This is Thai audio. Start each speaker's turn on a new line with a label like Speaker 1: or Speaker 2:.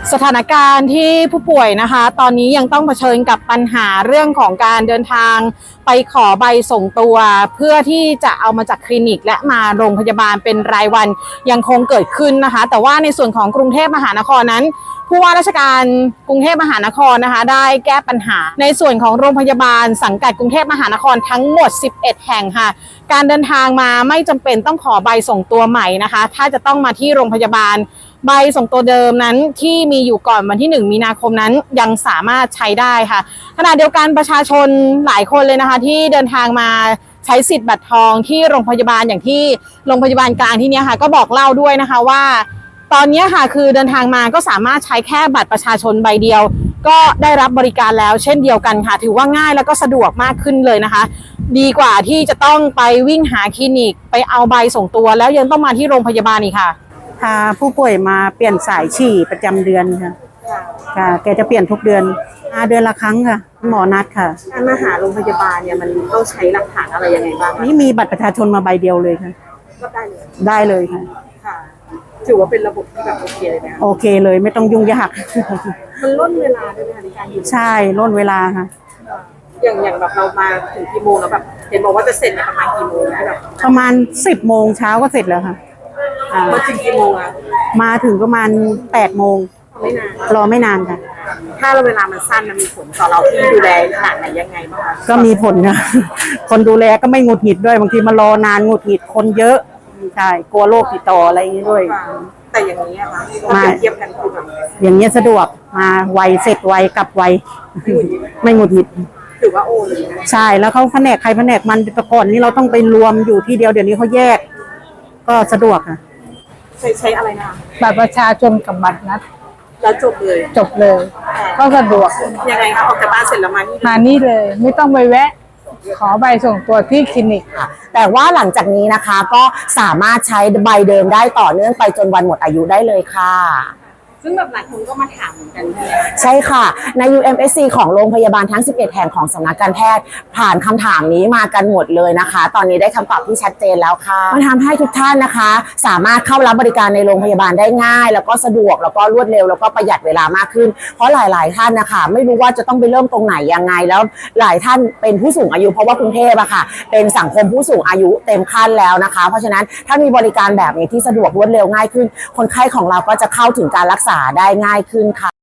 Speaker 1: สถานการณ์ที่ผู้ป่วยนะคะตอนนี้ยังต้องเผชิญกับปัญหาเรื่องของการเดินทางไปขอใบส่งตัวเพื่อที่จะเอามาจากคลินิกและมาโรงพยาบาลเป็นรายวันยังคงเกิดขึ้นนะคะแต่ว่าในส่วนของกรุงเทพมหานครนั้นผู้ว่าราชการกรุงเทพมหานครนะคะได้แก้ปัญหาในส่วนของโรงพยาบาลสังกัดกรุงเทพมหานครทั้งหมด11แห่งค่ะการเดินทางมาไม่จำเป็นต้องขอใบส่งตัวใหม่นะคะถ้าจะต้องมาที่โรงพยาบาลใบส่งตัวเดิมนั้นที่มีอยู่ก่อนวันที่1 มีนาคมนั้นยังสามารถใช้ได้ค่ะขณะเดียวกันประชาชนหลายคนเลยนะคะที่เดินทางมาใช้สิทธิ์บัตรทองที่โรงพยาบาลอย่างที่โรงพยาบาลกลางที่นี้ค่ะก็บอกเล่าด้วยนะคะว่าตอนนี้ค่ะคือเดินทางมาก็สามารถใช้แค่บัตรประชาชนใบเดียวก็ได้รับบริการแล้วเช่นเดียวกันค่ะถือว่าง่ายแล้วก็สะดวกมากขึ้นเลยนะคะดีกว่าที่จะต้องไปวิ่งหาคลินิกไปเอาใบส่งตัวแล้วยังต้องมาที่โรงพยาบาลอีกค่ะ
Speaker 2: พาผู้ป่วยมาเปลี่ยนสายฉี่ประจำเดือนค่ะค่ะแกจะเปลี่ยนทุกเดือนเดือนละครั้งค่ะหมอนัดค่ะ
Speaker 3: การมาหาโรงพยาบาลเนี่ยมันต้องใช้หลักฐานอะไรยังไงบ้าง
Speaker 2: นี่มีบัตรประชาชนมาใบเดียวเลยค่ะ
Speaker 3: ก็ได้เลย
Speaker 2: ได้เลยค่ะ
Speaker 3: ถือว่าเป็นระบบที่แบบโอเคเลยนะ
Speaker 2: โอเคเลยไม่ต้องยุ่งยาก
Speaker 3: มันล่นเวลาด้วยในการอยู่
Speaker 2: ใช่ล่นเวลาค่ะ
Speaker 3: อย่างแบบเรามาถึงกี่โมงแล้วแบบเห็นบอกว่าจะเสร็จประมาณกี่โมงนะแบบ
Speaker 2: ประมาณ10 โมงเช้าก็เสร็จแล้วค่ะ
Speaker 3: มาถึงกี่โมงอะ
Speaker 2: มาถึงประมาณ8 โมง
Speaker 3: ไม่นาน
Speaker 2: รอไม่นานค่ะ
Speaker 3: ถ้าเราเวลามันสั้นมันมีผลต่อเราที่ดูแลขนาดไหนยังไงบ้าง
Speaker 2: ก็มีผลค่ะคนดูแลก็ไม่หงุดหงิดด้วยบางทีมารอนานหงุดหงิดคนเยอะใช่กลัวโรคติดต่ออะไรอย่างนี้ด้วย
Speaker 3: แต่อย่างนี้ค่ะมาเทียบกันคือแบบ
Speaker 2: อย่างนี้สะดวกมาไวเสร็จไวกลับไวไม่หงุดหงิด
Speaker 3: ถือว่าโอเลยนะ
Speaker 2: ใช่แล้วเขาแผนกใครแผนกมันแต่ก่อนนี้เราต้องไปรวมอยู่ที่เดียวเดี๋ยวนี้เขาแยกก็สะดวกค่ะ
Speaker 3: ใช้อะไรนะ
Speaker 1: บัตรประชาชนกับบัตรนัด
Speaker 3: แล้วจบเลย
Speaker 1: ก็สะดวก
Speaker 3: ยังไงคะออกจากบ้านเสร็จแล้ว
Speaker 1: มานี่เลยไม่ต้องไปแวะขอใบส่งตัวที่คลินิก
Speaker 4: แต่ว่าหลังจากนี้นะคะก็สามารถใช้ใบเดิมได้ต่อเนื่องไปจนวันหมดอายุได้เลยค่ะ
Speaker 3: ซึ่งแบบหลายคนก็มาถามเหมือนกัน
Speaker 4: ใช่ค่ะใน UMSC ของโรงพยาบาลทั้ง11แห่งของสำนักการแพทย์ผ่านคำถามนี้มากันหมดเลยนะคะตอนนี้ได้คำตอบที่ชัดเจนแล้วค่ะมันทำให้ทุกท่านนะคะสามารถเข้ารับบริการในโรงพยาบาลได้ง่ายแล้วก็สะดวกแล้วก็รวดเร็วแล้วก็ประหยัดเวลามากขึ้นเพราะหลายๆท่านนะคะไม่รู้ว่าจะต้องไปเริ่มตรงไหนยังไงแล้วหลายท่านเป็นผู้สูงอายุเพราะว่ากรุงเทพอะค่ะเป็นสังคมผู้สูงอายุเต็มขั้นแล้วนะคะเพราะฉะนั้นถ้ามีบริการแบบนี้ที่สะดวกรวดเร็วง่ายขึ้นคนไข้ของเราก็จะเข้าถึงการรักษาได้ง่ายขึ้นค่ะ